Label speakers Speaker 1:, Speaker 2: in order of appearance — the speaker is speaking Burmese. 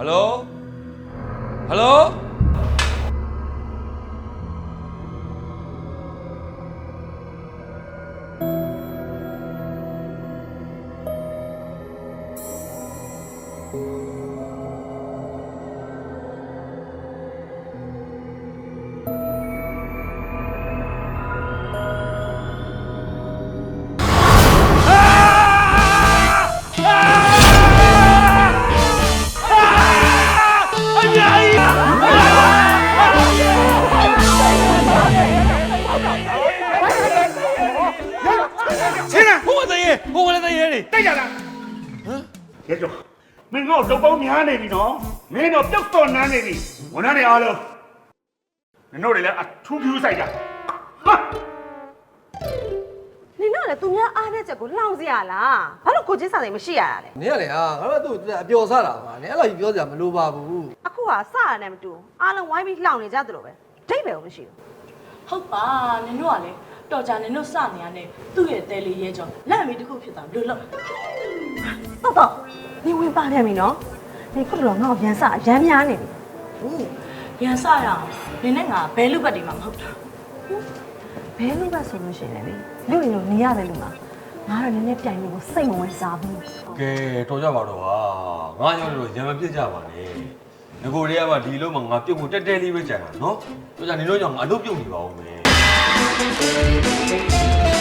Speaker 1: Hello Hello
Speaker 2: တိုက်ကြလားရဲကျော်မင်းငါ့ကိုတော့ပေါင်းများနေပြီနော်မင်းတော့ပြုတ်တော့နန်းနေပြီဝန်ထမ်းတွေအားလုံးနင်တို့တွေလည်းအထူးဖြူးဆိုင်ကြဟာ
Speaker 3: နင်တို့လည်းသူများအားတဲ့ချက်ကိုလှောင်စရာလားဘာလို့ကိုချင်းစာစိမ်မရှိရတာလဲ
Speaker 4: နင်ကလေဟာငါတို့သူ့အပျော်စားတာပါနင်အဲ့လိုကြီးပြောစရာမလိုပါဘူး
Speaker 3: အခုကစရနဲ့မတူအားလုံးဝိုင်းပြီးလှောင်နေကြသလိုပဲဒိတ်ပဲမရှိဘူး
Speaker 5: ဟုတ်ပါနင်တို့ကလေတော်ကြနင်တို့စနေရတဲ့သူ့ရဲ့တဲလေးရဲကြောင့်လက်အမီတစ်ခုဖြစ်သွားလို့လို့
Speaker 3: တော့နင်ဝင်ပါပြန်ပြီနော်နင်ခုတော့ငါ့ကိုရန်စရမ်းများနေပြီ
Speaker 5: ဟုတ်ရန်စရအောင်နင်နဲ့ငါဘဲလူပတ်တွေမှာမဟုတ်တာ
Speaker 3: ဘဲလို့ပဲဆိုလို့ရှိရင်လေလူရင်လို့နေရတယ်လို့လားငါတော့နည်းနည်းပြိုင်လို့ကိုစိတ်မဝင်စားဘူး
Speaker 1: ကဲတော်ကြပါတော့ဟာငါကြောင့်တော့ရံမပြစ်ကြပါနဲ့ငကိုတွေကမှဒီလုံးမှာငါပြုတ်ဖို့တက်တက်လေးပဲကြံတာနော်တော်ကြနေတော့ကြောင့်ငါအလုပ်ပြုတ်နေပါဦးမယ်